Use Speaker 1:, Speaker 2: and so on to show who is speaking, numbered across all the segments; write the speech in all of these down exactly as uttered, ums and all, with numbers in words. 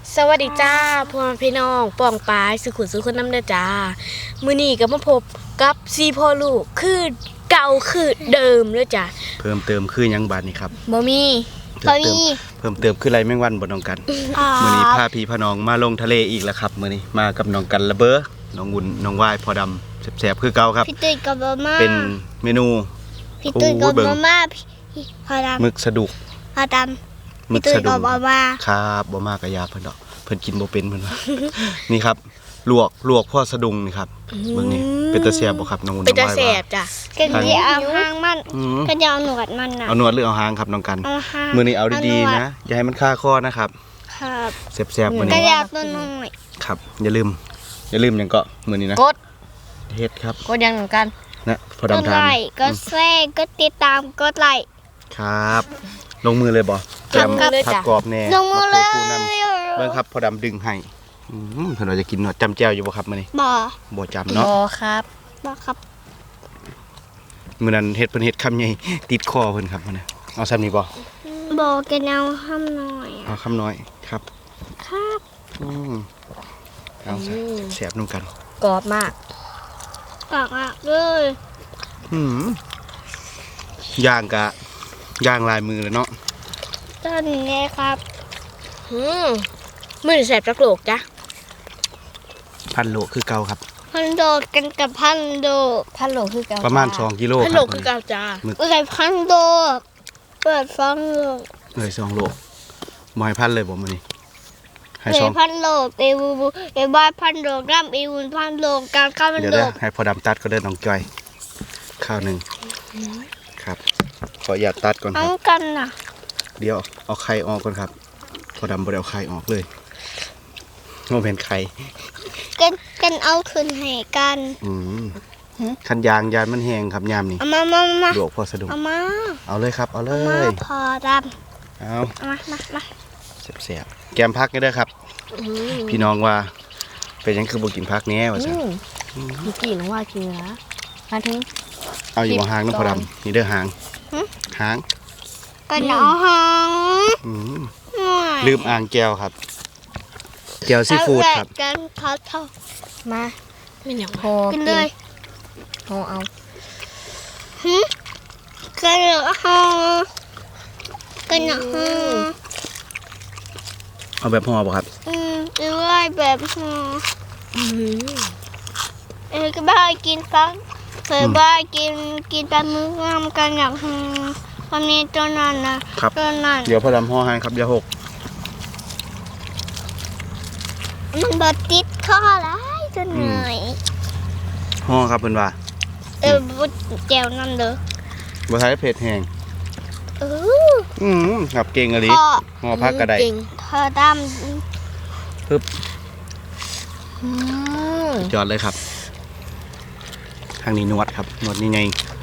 Speaker 1: สวัสดีจ้าพ่อพี่น้องป่องปายสุขุนสุขคนน้ำเด้อจ้ามื้อนี้ก็มาพบกับซีพ่อลูกคือเก่าคือเดิมเด้อจ้า
Speaker 2: เพิ่มเติมคือยังบาดนี่ครับ
Speaker 1: บ่มี
Speaker 2: เพิ่มเติมเพิ่มเติมคือไรแมงวันบ่น้องกันมื้อนี้พาพี่พาน้องมาลงทะเลอีกแล้วครับมื้อนี้มากับน้องกันระเบ้อน้องวุ่นน้องวายพอดำแซ่บๆคือเก่าครับ
Speaker 3: พี่ตุ้ยกับมาม่า
Speaker 2: เป็นเมนู
Speaker 3: พี่ตุ้ยกับมาม่าพอดำ
Speaker 2: หมึกสะดุก
Speaker 3: พอดำพี่ตุ้ยกับมาม่า
Speaker 2: ครับบ่มากะยาเพิ่นดอกเพิ่นกินบ่เป็นเพิ่นว่า นี่ครับลวกลวกพ่อสะดุงนี่ครับเบิ่งนี่เป็นตาแซ่บบ่ครับน้องวุ่นน้องวาย
Speaker 1: เป็นตาแซ่บจ้ะ
Speaker 3: กันที่เอาหางมันก็จะเอาหนวดมันน่ะ
Speaker 2: เอาหนวดหรือเอาหางครับน้องกันมื้อนี้เอาดีๆนะอย่าให้มันคาคอนะครับ
Speaker 3: ครับ
Speaker 2: แซ่บๆมื้อนี้
Speaker 3: ก็จะเอาตัวน้อย
Speaker 2: ครับอย่าลืมอย่าลืมหยังก็มื้อนี้นะ
Speaker 1: กด
Speaker 2: เฮ็ดครับ
Speaker 1: กดยังเหมือนกัน
Speaker 2: นะพอดำทาน
Speaker 3: ก็แซ่ก็ติดตามก็ไลค์
Speaker 2: ครับลงมือเลยบ่แกมผักกรอบแน่
Speaker 3: ลงมือเลย
Speaker 2: เบิ่งครับพอดำดึงให้อืมเพิ่นว่าจะกินหนวดจำแจ่วอยู่บ่ครับมื้อนี้
Speaker 3: บ่
Speaker 2: บ่จำเนาะ
Speaker 1: บ่ครับ
Speaker 3: บ่ครับ
Speaker 2: มื้อนั้นเฮ็ดเพิ่นเฮ็ดคำใหญ่ติดคอเพิ่นครับมื้อนี้เอาซ้ำนี้บ่
Speaker 3: บ่กันเอาคำน้อย
Speaker 2: เอาคำน้อยครับ
Speaker 3: ครับ
Speaker 2: อืมเอาแซ่บๆนำกัน
Speaker 1: กรอบมาก
Speaker 3: กรอบมากเลย
Speaker 2: อืมย่างกะย่างลายมือเลยเนาะ
Speaker 3: ต้นนี้ครับ
Speaker 1: อืมมื้อนี้แซ่บจักโลกจ้ะ
Speaker 2: พันโลคือเก่าครับ
Speaker 3: พันโดดกันกับพันโดด
Speaker 1: พันโลคือเก่า
Speaker 2: ประมาณสองกิโล
Speaker 1: พันโลคือเก่าจ้า
Speaker 3: เอ้ยพันโดดเปิดฟังโล
Speaker 2: เอ้ยสองโลบ่ให้พันเลยบ่มื้อนี้
Speaker 3: ให้สองพันโลเอวูเอบ้านพันโลกรัมเอวูพันโลการข้าวพันโล
Speaker 2: เดี๋ยวให้พอดำตัดก็ได้น้องจอยข้าวหนึ่งครับขออย่าตัดก่อนครับ
Speaker 3: ทั้งกันน่ะ
Speaker 2: เดี๋ยวเอาไข่ออกก่อนครับพอดำบ่ได้เอาไข่ออกเลยโมเป็นไข่
Speaker 3: กันกันเอาขึ้นให้กัน
Speaker 2: อืมคันยางยานมันแห้งครับยามนี่
Speaker 3: เอามามามา
Speaker 2: ลวกพอสะดุ้ง
Speaker 3: เอามา
Speaker 2: เอาเลยครับเอาเลย
Speaker 3: พอด
Speaker 2: ำเอา
Speaker 3: มามามา
Speaker 2: เสียบๆแกมพักนี่เด้อครับพี่น้องว่าเป็นยังคือบ่กินพักแน่ว่าซั่น
Speaker 1: พี่กินว่ากินนะมาถึง
Speaker 2: เอาอยู่หางน้ำพอดำนี่เด้อหางหาง
Speaker 3: กันเอาหาง
Speaker 2: ลืมอ่างแก้วครับแก้วซีฟู้ดครับ
Speaker 3: กันพัดเท่า
Speaker 1: มาไม่อยากพอ
Speaker 3: กินเลย
Speaker 1: พอเอา
Speaker 3: ฮึกันเอาหางกันเอาหาง
Speaker 2: เอาแบบห่อป่ะครับ
Speaker 3: อืมหรือว่าแบบห่อเออก็บ้ากินฟักเคยบ้ากินกินปลาหมึกงามกันอย่างห่อวันนี้ตัวนั้นนะตัวนั้น
Speaker 2: เดี๋ยวพอดำห่อให้ครับอย่าหก
Speaker 3: มันบดติดคอไรจนเหนื่อย
Speaker 2: ห่อครับเพิ่นว่า
Speaker 3: เออบุดแก้วนั่นเด้อ
Speaker 2: บ่ใช้เผ็ดแห้ง
Speaker 3: เออ
Speaker 2: อืมครับเก่งอะลิห่อพักกระได
Speaker 3: เธอดำ
Speaker 2: ปึ๊บจอดเลยครับทางนี้นวดครับนวดนี่ไง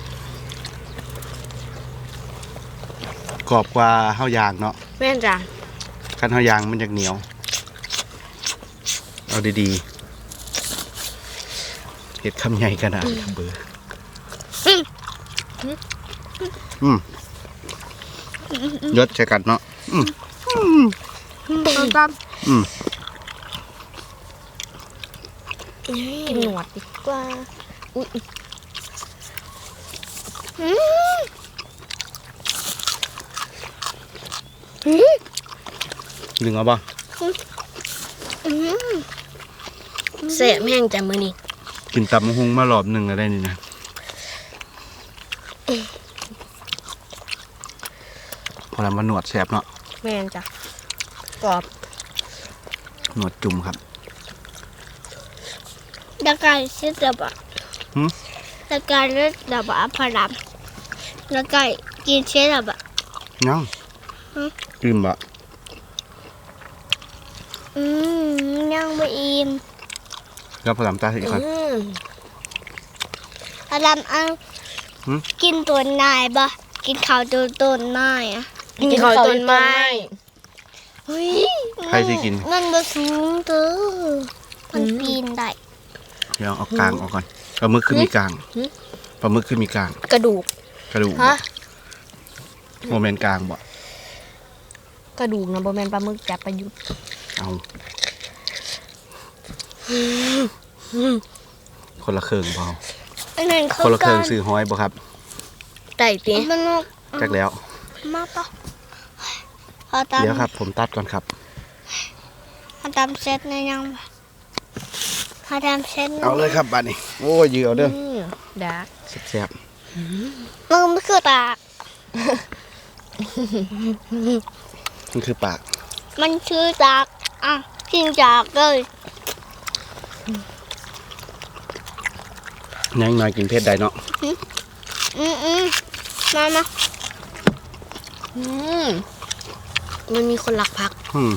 Speaker 2: กรอบกว่าข้าวยางเนาะ
Speaker 1: แม่นจ้ะ
Speaker 2: ขั้นข้าวยางมันจะเหนียวเอาดีๆเห็ดคำใหญ่ขนาดครับเบอร์อืมยศใช้กันเนาะอืมอืม
Speaker 1: กินหนวดดีกว่าอุ้ย
Speaker 2: ดึงเอาบ่
Speaker 1: เสียแม่งจ้ะมื้อนี้
Speaker 2: กินตำมะฮุงมารอบหนึ่งอะไรนี่นะพอแล้วมาหนวดแสบเนาะ
Speaker 1: แม่งจ้ะกรอบ
Speaker 2: หนวดจุ่มครับ
Speaker 3: ตะไคร้เสียดับอ่ะตะไคร้เลือดดับอ่ะพอดำตะไคร้กินเสียดับอ่ะ
Speaker 2: ยังกินบะ
Speaker 3: อืมยังไม่อิ่ม
Speaker 2: แล้วพอดำตาสิครับ
Speaker 3: พอดำเอากินต้นไม้ปะกินข้าวต้นต้นไม้อะ
Speaker 1: กินข้าวต้นไม้
Speaker 3: เฮ้ย
Speaker 2: ใครสิกิน
Speaker 3: มันบ่สูงเด้อมันปีนได้
Speaker 2: เดี๋ยวเอากลางออกก่อนปลาหมึกขึ้นมีกลางปลาหมึกขึ้นมีกลาง
Speaker 1: กระดูก
Speaker 2: กระดูกโมเมนต์กลางบ่
Speaker 1: กระดูกนะบ่แม่นปลาหมึกจับประยุทธ์
Speaker 2: เอาคนละเครื่องพอ
Speaker 3: อันนั้นเขา
Speaker 2: คนละเครื่องซื้อห้อยบ่ครับ
Speaker 1: ไต่ติ
Speaker 3: มันนก
Speaker 2: จักแล้ว
Speaker 3: มาปะพอตาม
Speaker 2: เดี๋ยวครับ ผมตัดก่อนครับ
Speaker 3: พอตามเซตในยังปะพอตามเซต
Speaker 2: เอาเลยครับบัดนี้โอ้ยยือเอาเด้อ
Speaker 1: อืมดัก
Speaker 2: แซ่บ
Speaker 3: มึงไม่คือตาก
Speaker 2: ๆมันคือปาก
Speaker 3: มันคือตากอ่ะกินจากเลย
Speaker 2: ยังน้อยกินเผ็ดได้เนาะ
Speaker 3: อืมอืมมามา
Speaker 1: อืมมันมีคนรักพัก
Speaker 2: อืม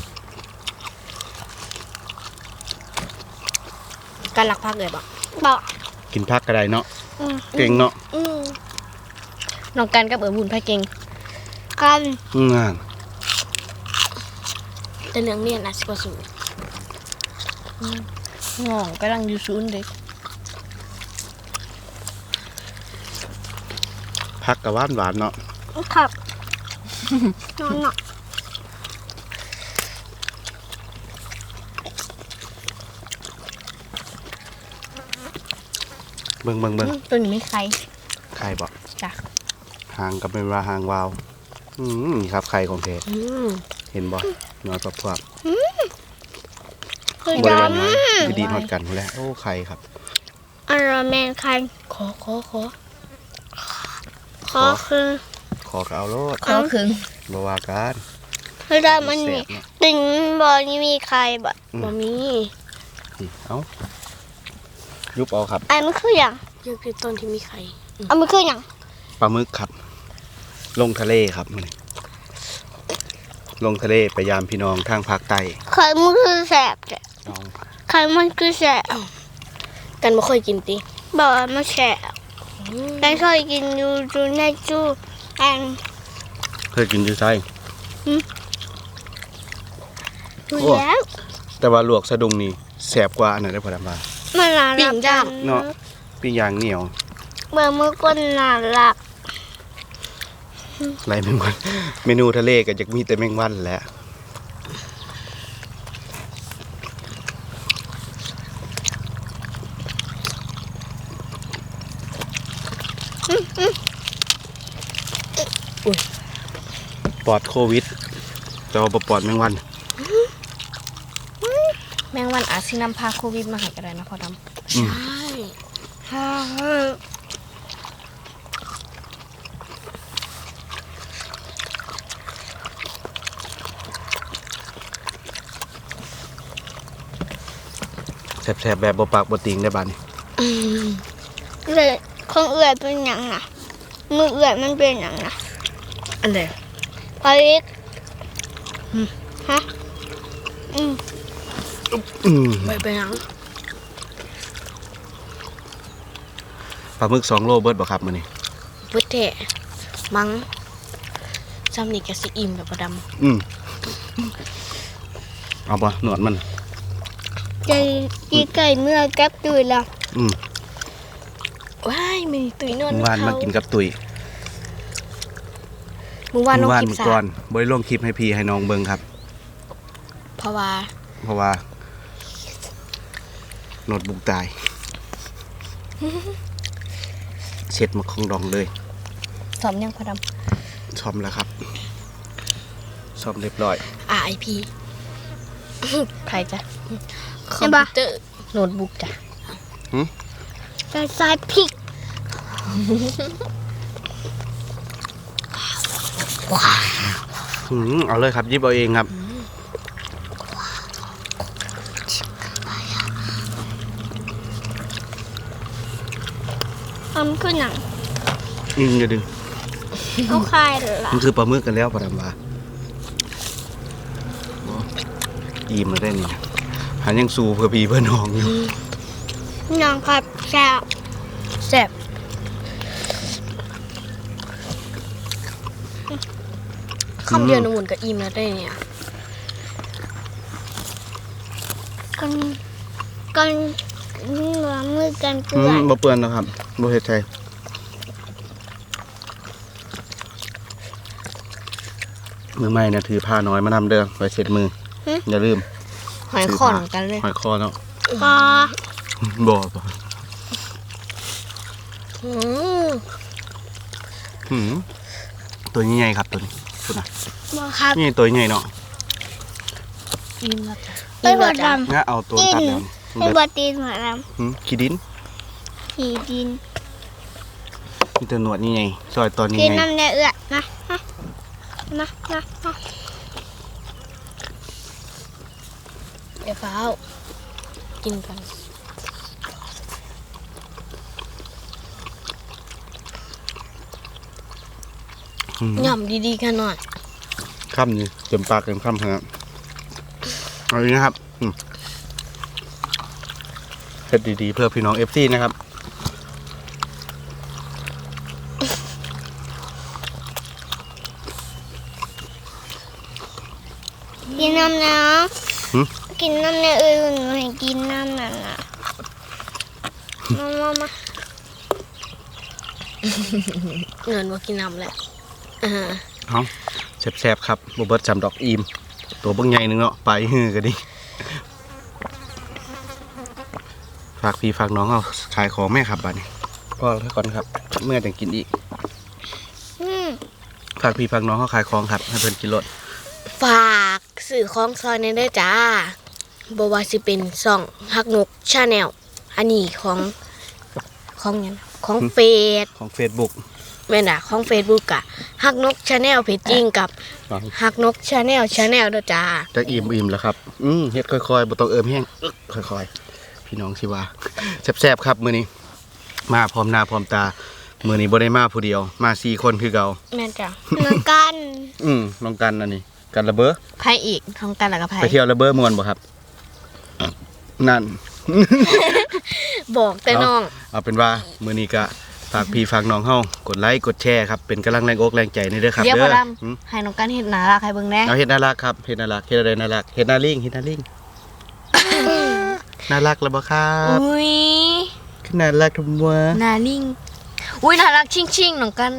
Speaker 1: การรักพักเลยบ่
Speaker 3: บอก
Speaker 2: กินผักก็ได้เนาะ
Speaker 3: อืม
Speaker 2: เก่งเนาะ
Speaker 1: อืมน้องกันกับเอ๋บุญพระเก่ง
Speaker 3: กัน
Speaker 2: อืมงาน
Speaker 1: แต่เรื่องเรียนอาจสิบ่สูงน้องกำลังอยู่ศูนย์เด็ก
Speaker 2: ผักก็หวานหวานๆเนาะ
Speaker 3: ครับนอนเนาะ
Speaker 2: เบิ่งเบิ่งเบิ่ง
Speaker 1: อืมตัวนี้ไม่ใคร
Speaker 2: ไข่บ่
Speaker 1: จ้ะ
Speaker 2: หางก็เป็นว่าหางวาว อืมนี่ครับไข่ของเท
Speaker 1: อืม
Speaker 2: เห็นบ่น้อยพวบ
Speaker 3: คือ
Speaker 2: ๆบ่
Speaker 3: ด
Speaker 2: ได้ว่าน้อยอยู่ดีทอดกันพู้นแหล้วโอ้ไข่ครับ
Speaker 3: ำอารมณ์แมนคัน
Speaker 1: ขอขอขอ
Speaker 3: ขอคือ
Speaker 2: ขอก็เอาโลด
Speaker 1: ขอครึ่ง
Speaker 2: บ่ว่ากัน
Speaker 3: คือดำมันมี
Speaker 2: แซ่บเนาะ
Speaker 3: ติ่งบอนี่มีใครบ่
Speaker 1: บ่มี
Speaker 2: นี่เอายุบเอาครับ
Speaker 3: ไอ้มันคืออย่าง
Speaker 1: เยอะคือต้นที่มีไข่
Speaker 3: อันมันคืออย่าง
Speaker 2: ปลาหมึกครับ ลงทะเลครับมื้อนี้ลงทะเลไปยามพี่น้องทางภาคใต้
Speaker 3: ใครมันคือแสบจ้ะ
Speaker 2: เอา
Speaker 3: ใครมันคือแสบ
Speaker 1: กันบ่เคยกินติ
Speaker 3: บอกว่ามันแสบ
Speaker 1: อืม
Speaker 3: ได้เคยกินอยู่จูในจูอัน
Speaker 2: เคยกินอยู่ไส
Speaker 3: ดู
Speaker 2: โอ้
Speaker 3: แล้ว
Speaker 2: แต่ว่าลวกสะดุ้งนี่แซ่บกว่าอันนั้นได้อพอดำว่า
Speaker 3: มันน่ารัก
Speaker 2: เนาะปิ้งย่างเหนียว
Speaker 3: เมื่อมือก้นน่ารัก
Speaker 2: ไรแมงวัน เมนูทะเลก็จะมีแต่แมงวันแหละ ปลอดโควิดแต่ว่าบ่ปลอดแมงวัน
Speaker 1: แมงวันอาจสินำพาโควิดมาให้ก็ได้นะพ่อดำ
Speaker 2: อืม
Speaker 1: ใช่
Speaker 2: แซ่บๆแบบบ่ปากบ่ติงได้บาดนี้
Speaker 3: เลยของเอื่อยเป็นอย่างน่ะมือเอื่อยมันเป็นอย่างน่ะ
Speaker 1: อันใด
Speaker 3: พอลิกฮะอืม
Speaker 2: อืม
Speaker 1: ไปไปหยัง
Speaker 2: ปลาหมึกสองโลเบิดบ่ครับมื้อนี้
Speaker 1: พุทธะมังจำนี่ก็สิอิ่มแบบพ่อดำ
Speaker 2: อืมเอาบ่หนวดมัน
Speaker 3: ใจกีไก่เมื่อแก๊บตื่นแล้ว
Speaker 2: อืม
Speaker 1: ว้ายมีตุ้ยนอน
Speaker 2: เมื่อวานมากินกับตุ๋ย
Speaker 1: มึงวานลง
Speaker 2: เมื่อวาน
Speaker 1: คลิป
Speaker 2: มื้อ
Speaker 1: สา
Speaker 2: ก่อนบ่ได้ลงคลิปให้พี่ให้น้องเบิ่งครับ
Speaker 1: เพราะว่า
Speaker 2: เพราะว่าโนดบุกตาย เช็ดมาของดองเลย
Speaker 1: สอมยังพ่อด
Speaker 2: ซ่อมแล้วครับซ่อมเรียบร้อย
Speaker 1: ำ อาร์ ไอ พี ใครจ้ะคอมพิวเตอร์โน้ตบุ๊กจ้ะ
Speaker 3: ใส่ใส่พริก
Speaker 2: อืมเอาเลยครับหยิบเอาเองครับ
Speaker 3: อันคือหนัง
Speaker 2: อืมอย่าดึง
Speaker 3: เอาคายเหรอ
Speaker 2: มันคือปลาหมึกกันแล้วปลาดำว่าโอ้อิ่มแล้วได้นี่นะหันยังสู้เพื่อพี่เพื่อน้องอยู่
Speaker 3: หนังครับแซ่บ
Speaker 1: แซ่บคำเดียวน้ำมันก็อิ่มแล้วได้เนี่ย
Speaker 3: กันกันหัวมือกันเกลื
Speaker 2: อื
Speaker 3: อ
Speaker 2: มบ่เปื้อนแล้วครับบ่เฮ็ดใจมือใหม่นะถือผ้าน้อยมานำเด้อไว้เช็ดมืออย่าลืม
Speaker 1: หอยขอนกันเลย
Speaker 2: หอยคอเนาะ
Speaker 3: ปลา
Speaker 2: บ่บ่
Speaker 1: อืม
Speaker 2: หืมตัวใหญ่ๆครับตัวนี้ตัวน่ะ
Speaker 3: บ่ครับ
Speaker 2: นี่ตัวใหญ่เนาะ
Speaker 1: อิ่มแล้วจ้ะ
Speaker 3: ไอ้บดด
Speaker 2: งั้นเอาตัวตัดแล้ว
Speaker 3: ำไอ้บดตีนหัวด
Speaker 2: หืมขี้ดิน
Speaker 3: ำขี่ดิน
Speaker 2: มีตัวหนวดนี่ไงซอยตอนนี้
Speaker 3: กิน
Speaker 2: ไง
Speaker 3: น้ำเนื้อเอื้อนะนะนะนะนะ
Speaker 1: เดี๋ยวฟ้ากินกัน
Speaker 2: หืม
Speaker 1: ย่ำดีๆกันหน่อย
Speaker 2: ค่ำนี่เต็มปากเต็มคำครับเอาอีกนะครับอืมเผ็ดดีๆเพื่อพี่น้องเอฟซีนะครับ
Speaker 3: กินน้ำเนื้อ
Speaker 2: หืม
Speaker 3: กินน้ำเนื้อเอื้อหนูให้กินน้ำนั่นน่ะมามามา
Speaker 1: เงินว่ากินน้ำแหละอ่า
Speaker 2: เอาแซ่บๆครับบเบิร์ตจำดอกอีม ตัวเบิ่งใหญ่หนึงเนาะไปฮือกันดิฝากพี่ฝากน้องเอาขายของแม่ครับบัดนี้พ่อแล้วก่อนครับ เมื่อจะกินอีก
Speaker 3: อืม
Speaker 2: ฝากพี่ฝากน้องเขาขายของครับ ให้เพิ่นกินรถ
Speaker 1: ฝากสื่อของซอยในเด้อจ้าบว่าสิเป็นซ่องฮักนกชาแนลอันนี้ของของหยังของเฟซ
Speaker 2: ของ Facebook
Speaker 1: แม่นอ่ะของเฟซบุ๊กอะฮักนกชาแนลเพจจริงกับฮักนกชาแนลชาแนลเด้อจ้า
Speaker 2: จะอิ่มอิ่มแล้วครับ อืมเฮ็ดค่อยๆบ่ต้องเอิมแห้งอึ๊กค่อยๆ พี่น้องสิว่าแซ่บๆครับมื้อนี้ มาพร้อมหน้าพร้อมตา มื้อนี้บ่ได้มาผู้เดียว มาสี่คนคือเก่า
Speaker 1: แม่นจ้ะ
Speaker 3: เหมือนกัน
Speaker 2: อืมน้องกันอันนี้ กันระเบ้อ
Speaker 1: ไผอีกของกันแล้วก็ไผ
Speaker 2: ไปเที่ยวระเบ้อม่วนบ่ครับ นั่น
Speaker 1: บอกแต่น้อง
Speaker 2: เอาเป็นว่ามื้อนี้ก็ฝากพี่ฝากน้องเฮากดไลค์กดแชร์ครับเป็นกำลังแรงอกแรงใจนี่เด้อครับ
Speaker 1: เดี๋ยว
Speaker 2: เด้
Speaker 1: พอ
Speaker 2: อ
Speaker 1: ด
Speaker 2: อืม
Speaker 1: ำให้น้องกันเห็นหนารักให้เบิ่งแหน่
Speaker 2: เอาเฮ็ดน่ารักครับเฮ็ดน่ารักเฮ็ดอะไรน่ารักเฮ็ดน่าลิงเฮ็ดน่าลิง น่ารักแล้วบ่ครับ
Speaker 1: อุ้ย
Speaker 2: คือน่ารักทำวะ
Speaker 1: หนาลิงอุ้ยน่ารักชิงชิงๆน้องกัน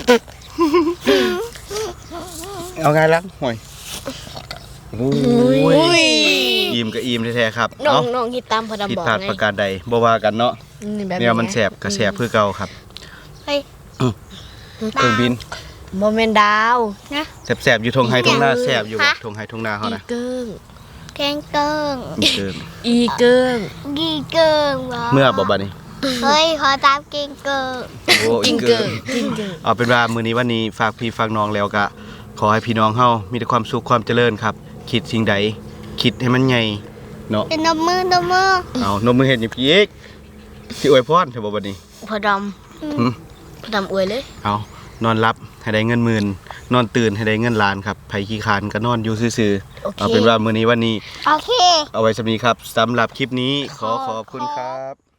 Speaker 2: เอาไงรักห่วยโอ้
Speaker 1: อุ้ย
Speaker 2: อิ่มก็อิ่มแท้ๆครับ
Speaker 1: น้อ
Speaker 2: เอ้าง
Speaker 1: น้องคิดตามพอดำ
Speaker 2: ผิด
Speaker 1: บอก
Speaker 2: พลาด
Speaker 1: ไง
Speaker 2: ประการใดบ่ว่ากันเนาะ
Speaker 1: นี่แบบ
Speaker 2: เนี่ยมันแสบก็แสบคือเก่าครับ
Speaker 3: เฮ้ย
Speaker 2: เครื่องบิน
Speaker 1: โมเมนดาว
Speaker 3: นะ
Speaker 2: แสบๆอยู่ทงไฮทงหน้าแสบอยู่บ่ทงไฮทงหน้าเฮา
Speaker 1: อี
Speaker 2: นะ
Speaker 1: เกิ้ง
Speaker 3: แกงเกิง
Speaker 2: มีเกิน
Speaker 1: อีเกิ้ง
Speaker 3: กีเกิงวะ
Speaker 2: เมื่อบ่บัดนี้
Speaker 3: เฮ้ยขอตามกินเกิง
Speaker 2: โอ้
Speaker 1: จิ
Speaker 2: อี
Speaker 1: ง
Speaker 2: เกิ
Speaker 1: เกิ้ง
Speaker 2: น
Speaker 1: จิงเกิ้ง
Speaker 2: เอาเป็นว่ามื้อนี้วันนี้ฝากพี่ฝากน้องแล้วก็ขอให้พี่น้องเฮามีแต่ความสุขความเจริญครับ คิดสิ่งใดคิดให้มันใหญ่เนาะ
Speaker 3: เป็นนมมือนมมือ
Speaker 2: เอานมมือเฮ็ดหยิบอีกสิอวยพรใช่บ่บัดนี้
Speaker 1: พอด
Speaker 2: หึ
Speaker 1: ำพอดำอวยเลย
Speaker 2: เอานอนรับให้ได้เงินหมื่นนอนตื่นให้ได้เงินล้านครับไผขี้คร้านก็นอนอยู่ซื่อ
Speaker 1: โอ
Speaker 2: ๆ
Speaker 1: เค
Speaker 2: เอาเป็นว่ามื้อนี้วันนี้
Speaker 3: โอเค
Speaker 2: เอาไว้สำนี้ครับสำหรับคลิปนี้ขอขอบคุณครับ